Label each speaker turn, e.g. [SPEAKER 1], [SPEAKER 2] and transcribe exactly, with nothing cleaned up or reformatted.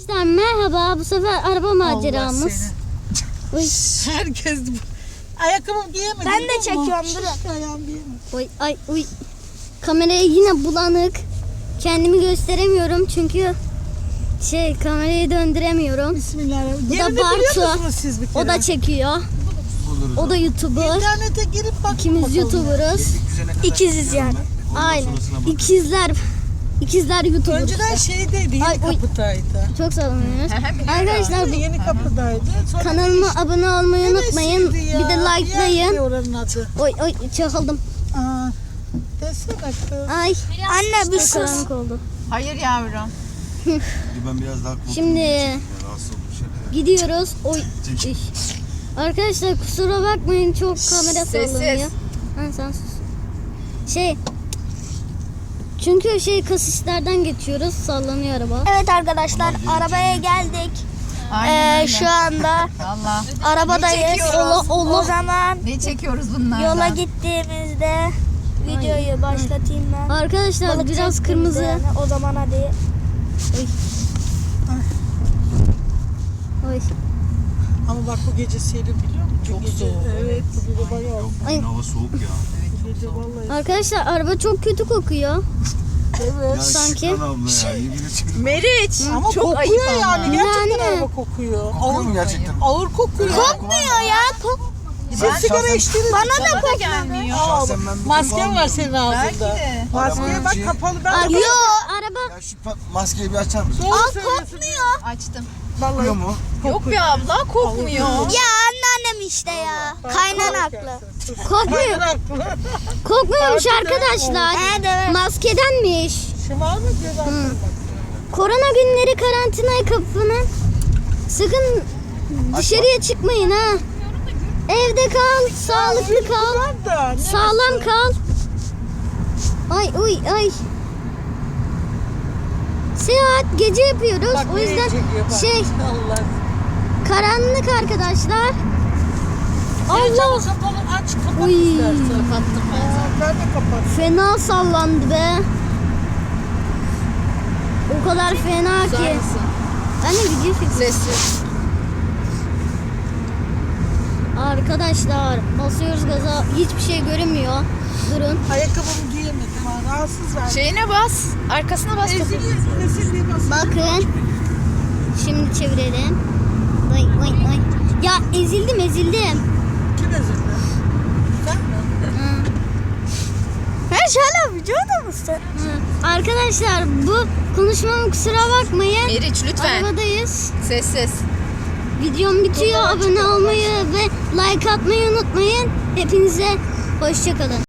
[SPEAKER 1] Arkadaşlar merhaba, bu sefer araba maceramız. Oy.
[SPEAKER 2] Herkes ayakkabımı giyemedi.
[SPEAKER 3] Ben de çekiyorum, durun.
[SPEAKER 2] Ayağım giyemedi.
[SPEAKER 1] Oy ay uy. Kameraya yine bulanık. Kendimi gösteremiyorum çünkü şey kamerayı döndüremiyorum.
[SPEAKER 2] Bismillahirrahmanirrahim.
[SPEAKER 1] Bu da
[SPEAKER 2] Yerini biliyor
[SPEAKER 1] Bartu.
[SPEAKER 2] musunuz siz bir kere?
[SPEAKER 1] O da çekiyor. O da YouTuber.
[SPEAKER 2] İnternete girip bakın
[SPEAKER 1] İkimiz
[SPEAKER 2] bakalım.
[SPEAKER 1] YouTuber'ız.
[SPEAKER 3] İkiziz yani.
[SPEAKER 1] Aynen. İkizler. İkizler YouTuber.
[SPEAKER 2] Önceden
[SPEAKER 1] işte.
[SPEAKER 2] şeydeydi, yeni
[SPEAKER 1] Ay, oy.
[SPEAKER 2] kapıdaydı.
[SPEAKER 1] Çok sallanıyoruz. Arkadaşlar bu
[SPEAKER 2] Yeni kapıdaydı. Sonra
[SPEAKER 1] kanalıma abone olmayı unutmayın.
[SPEAKER 2] neresiydi ya?
[SPEAKER 1] Bir de
[SPEAKER 2] Yerdi
[SPEAKER 1] likelayın.
[SPEAKER 2] oranın adı.
[SPEAKER 1] Oy oy çakıldım.
[SPEAKER 2] Aa, desene kız.
[SPEAKER 1] Ay.
[SPEAKER 3] Anne bir
[SPEAKER 1] Çok
[SPEAKER 3] sus.
[SPEAKER 1] karanlık oldu.
[SPEAKER 4] Hayır yavrum.
[SPEAKER 5] Ben biraz daha korktum.
[SPEAKER 1] Şimdi
[SPEAKER 5] Rahatsız olmuş şeyler.
[SPEAKER 1] gidiyoruz. Oy. Üş. Arkadaşlar kusura bakmayın, çok kamera
[SPEAKER 4] Sessiz.
[SPEAKER 1] sallanıyor. Ha, sen sus. Şey. Çünkü şey kasislerden geçiyoruz. Sallanıyor araba.
[SPEAKER 3] Evet arkadaşlar, arabaya geldik.
[SPEAKER 4] Aynen
[SPEAKER 3] Ee,
[SPEAKER 4] öyle.
[SPEAKER 3] şu anda
[SPEAKER 4] Valla.
[SPEAKER 3] arabadayız.
[SPEAKER 4] Ne çekiyoruz?
[SPEAKER 1] Allah Allah.
[SPEAKER 3] O zaman
[SPEAKER 4] Ne çekiyoruz bunlardan?
[SPEAKER 3] yola gittiğimizde videoyu başlatayım ben.
[SPEAKER 1] Arkadaşlar
[SPEAKER 3] Balık
[SPEAKER 1] biraz
[SPEAKER 3] çektiğimizde
[SPEAKER 1] kırmızı.
[SPEAKER 3] yani. O zaman hadi.
[SPEAKER 1] Oy. Oy.
[SPEAKER 2] Ama bak bu gece serin biliyor musun?
[SPEAKER 4] Çok
[SPEAKER 2] Bu gece,
[SPEAKER 4] soğuk.
[SPEAKER 2] Evet, bu gece bayağı.
[SPEAKER 5] Yok
[SPEAKER 1] Ay.
[SPEAKER 5] bugün hava soğuk ya.
[SPEAKER 2] Bu gece vallahi.
[SPEAKER 1] Arkadaşlar araba çok kötü kokuyor.
[SPEAKER 2] Evet.
[SPEAKER 5] Ya
[SPEAKER 1] Sanki.
[SPEAKER 5] Şükran abla ya yemin ediyorum.
[SPEAKER 4] Meriç.
[SPEAKER 2] Ama
[SPEAKER 4] çok
[SPEAKER 2] kokuyor
[SPEAKER 4] ayıp ama.
[SPEAKER 2] yani. Gerçekten
[SPEAKER 1] Yani.
[SPEAKER 2] araba kokuyor.
[SPEAKER 5] Kokuyor mu gerçekten?
[SPEAKER 2] Ağır kokuyor.
[SPEAKER 3] Kokmuyor ya. Kok
[SPEAKER 2] Siz
[SPEAKER 4] Ben
[SPEAKER 2] sigara
[SPEAKER 5] şahsen-
[SPEAKER 2] içtiniz.
[SPEAKER 3] Bana da
[SPEAKER 4] Bana da
[SPEAKER 3] kokmuyor.
[SPEAKER 4] gelmiyor.
[SPEAKER 5] Şahsen ben bir
[SPEAKER 2] Masken
[SPEAKER 5] kullanmıyorum.
[SPEAKER 2] var senin
[SPEAKER 4] Belki
[SPEAKER 2] ağzında.
[SPEAKER 4] de.
[SPEAKER 2] Maskeye bak
[SPEAKER 5] Arabanın
[SPEAKER 2] kapalı. Ben de
[SPEAKER 1] Arkadaşlar araba
[SPEAKER 5] Ya şu pa- maskeyi bir açar mısın?
[SPEAKER 2] Doğru
[SPEAKER 3] Al
[SPEAKER 2] söylüyorsun.
[SPEAKER 3] kokmuyor.
[SPEAKER 4] Açtım.
[SPEAKER 5] Kokuyor mu?
[SPEAKER 4] Yok be abla kokmuyor.
[SPEAKER 3] Ya anneannem işte ya. Kaynan haklı.
[SPEAKER 1] kokmuyor.
[SPEAKER 2] Haklı.
[SPEAKER 1] Kokmuyormuş arkadaşlar.
[SPEAKER 3] Evet evet.
[SPEAKER 1] Maskedenmiş.
[SPEAKER 2] Şımar mı diyorlar?
[SPEAKER 1] Korona günleri karantinaya kapının. Sakın dışarıya çıkmayın ha. Evde kal, sağlıklı kal,
[SPEAKER 2] Da, ne
[SPEAKER 1] sağlam kal. Ay uy ay. Seyahat gece yapıyoruz.
[SPEAKER 2] Bak
[SPEAKER 1] O
[SPEAKER 2] nereye
[SPEAKER 1] yüzden
[SPEAKER 2] çekiyor bak.
[SPEAKER 1] şey
[SPEAKER 2] Allah.
[SPEAKER 1] karanlık arkadaşlar.
[SPEAKER 2] Allah.
[SPEAKER 1] Allah
[SPEAKER 2] Kapalı aç kapat
[SPEAKER 1] Uy.
[SPEAKER 2] istersen. Kapattım ben. Ben de kapattım.
[SPEAKER 1] fena sallandı be. O kadar fena ki.
[SPEAKER 4] Güzelsin.
[SPEAKER 1] Ben de video çekiyorum.
[SPEAKER 4] Sessiz.
[SPEAKER 1] Arkadaşlar basıyoruz gaza, hiçbir şey görünmüyor. Durun.
[SPEAKER 2] Ayakkabımı giyemedim ha. Rahatsız verdim.
[SPEAKER 4] Şeyine bas. Arkasına bas.
[SPEAKER 2] Ezili, ezili basın.
[SPEAKER 1] Bakın. Şimdi çevirelim. Vay vay vay. Ya ezildim ezildim.
[SPEAKER 2] Kim ezildi? Sen mi?
[SPEAKER 1] Hı,
[SPEAKER 3] Her şöyle videoda mısın?
[SPEAKER 1] hı. Arkadaşlar bu konuşmama kusura bakmayın.
[SPEAKER 4] Meriç lütfen.
[SPEAKER 1] Arabadayız.
[SPEAKER 4] Sessiz.
[SPEAKER 1] Videom bitiyor. Abone olmayı ve like atmayı unutmayın. Hepinize hoşça kalın.